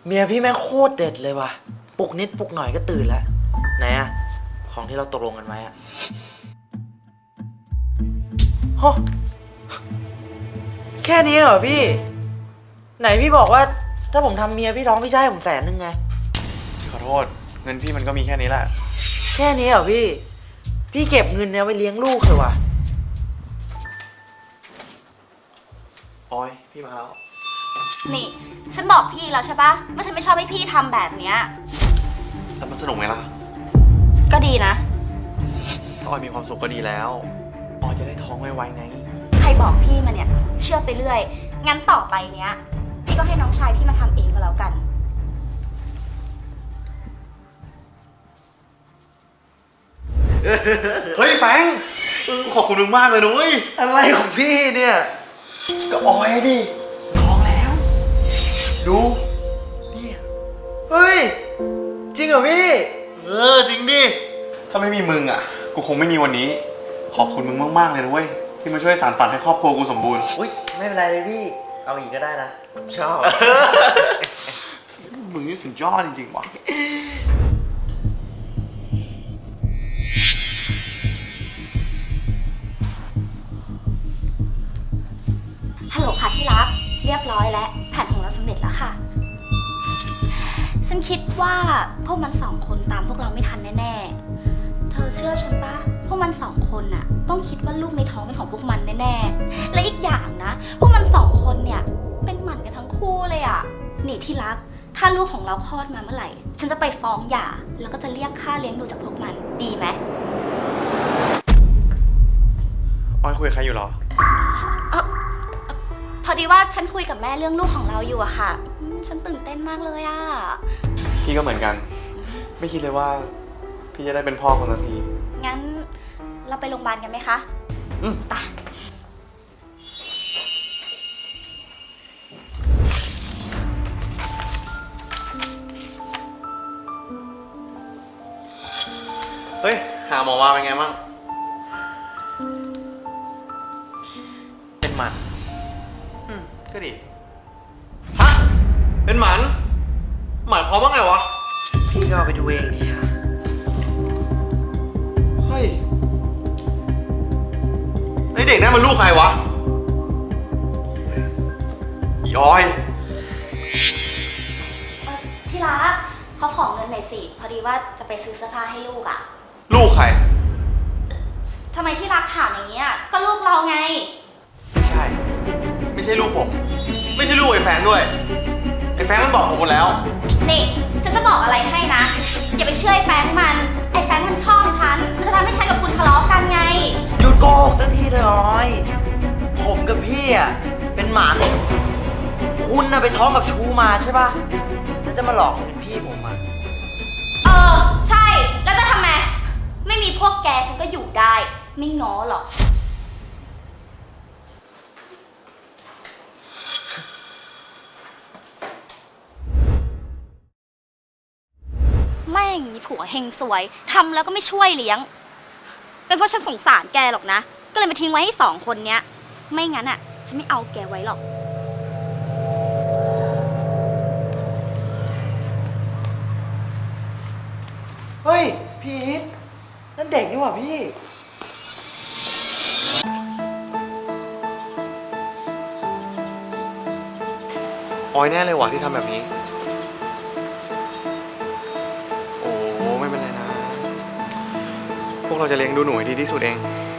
เมียพี่แม่งโคตรเด็ดเลยว่ะปลุกนิดปลุกหน่อยก็ตื่นแล้วไหนอะของที่เราตกลงกันไว้อะฮะแค่นี้เหรอพี่ไหนพี่บอกว่าถ้าผมทำเมียพี่ท้องพี่จะให้ผม100,000ไงขอโทษเงินพี่มันก็มีแค่นี้แหละแค่นี้เหรอพี่เก็บเงินเนี่ยไว้เลี้ยงลูกเถอะว่ะออยพี่มาแล้วนี่ฉันบอกพี่แล้วใช่ปะว่าฉันไม่ชอบให้พี่ทำแบบเนี้ยแล้วมันสนุกไหมล่ะก็ดีนะออยมีความสุขก็ดีแล้วออยจะได้ท้องไวๆไงใครบอกพี่มาเนี่ยเชื่อไปเรื่อยงั้นต่อไปเนี้ยพี่ก็ให้น้องชายพี่มาทำเองก็แล้วกันเฮ้ยแฟงขอบคุณมึงมากเลยนุ้ยอะไรของพี่เนี่ยก็ออยดิท้องแล้วดูนี่เฮ้ยจริงเหรอพี่จริงดิถ้าไม่มีมึงอ่ะกูคงไม่มีวันนี้ขอบคุณมึงมากๆเลยนะเว้ยที่มาช่วยสานฝันให้ครอบครัวกูสมบูรณ์อุ้ยไม่เป็นไรเลยพี่เอาอีกก็ได้นะชอบมึงนี่สุดยอดจริงๆว่ะฮัลโหลค่ะที่รักเรียบร้อยแล้วแผนของเราสำเร็จแล้วค่ะฉันคิดว่าพวกมัน2 คนตามพวกเราไม่ทันแน่ๆเธอเชื่อฉันปะพวกมัน2 คนน่ะต้องคิดว่าลูกในท้องเป็นของพวกมันแน่ๆและอีกอย่างนะพวกมัน2 คนเนี่ยเป็นหมันกันทั้งคู่เลยอ่ะนี่ที่รักถ้าลูกของเราคลอดมาเมื่อไหร่ฉันจะไปฟ้องหย่าแล้วก็จะเรียกค่าเลี้ยงดูจากพวกมันดีไหมออยคุยกับใครอยู่หรอพอดีว่าฉันคุยกับแม่เรื่องลูกของเราอยู่อะค่ะฉันตื่นเต้นมากเลยอะพี่ก็เหมือนกันไม่คิดเลยว่าพี่จะได้เป็นพ่อคนสักทีงั้นเราไปโรงพยาบาลกันไหมคะไปเฮ้ยหาหมอมาเป็นไงบ้างเป็นหมันก็ดีฮะเป็นหมันหมายความว่าไงวะพี่ก็เอาไปดูเองดิค่ะเฮ้ยไอเด็กนั่นมันลูกใครวะอีออยที่รักเขาขอเงินหน่อยสิพอดีว่าจะไปซื้อเสื้อผ้าให้ลูกอะลูกใครทำไมที่รักถามอย่างนี้อะก็ลูกเราไงไม่ใช่ลูกผมไม่ใช่ลูกไอ้แฟงด้วยไอ้แฟงมันบอกผมหมดแล้วนี่ฉันจะบอกอะไรให้นะอย่าไปเชื่อไอ้แฟงมันไอ้แฟงมันชอบฉันมันจะทำให้ฉันกับคุณทะเลาะกันไงหยุดโกหกสักทีเถอะออยผมกับพี่อ่ะเป็นหมันคุณน่ะไปท้องกับชูมาใช่ป่ะแล้วจะมาหลอกเงินพี่ผมอ่ะใช่แล้วจะทำไมไม่มีพวกแกฉันก็อยู่ได้ไม่ง้อหรอกแม่งมีผัวเฮงสวยทำแล้วก็ไม่ช่วยเลี้ยงเป็นเพราะฉันสงสารแกหรอกนะก็เลยมาทิ้งไว้ให้2 คนเนี้ยไม่งั้นอ่ะฉันไม่เอาแกไว้หรอกเฮ้ยพี่อีทนั่นเด็กนี่หว่าพี่ออยแน่เลยว่ะที่ทำแบบนี้ไม่เป็นไรนะพวกเราจะเลี้ยงดูหนูให้ดีที่สุดเอง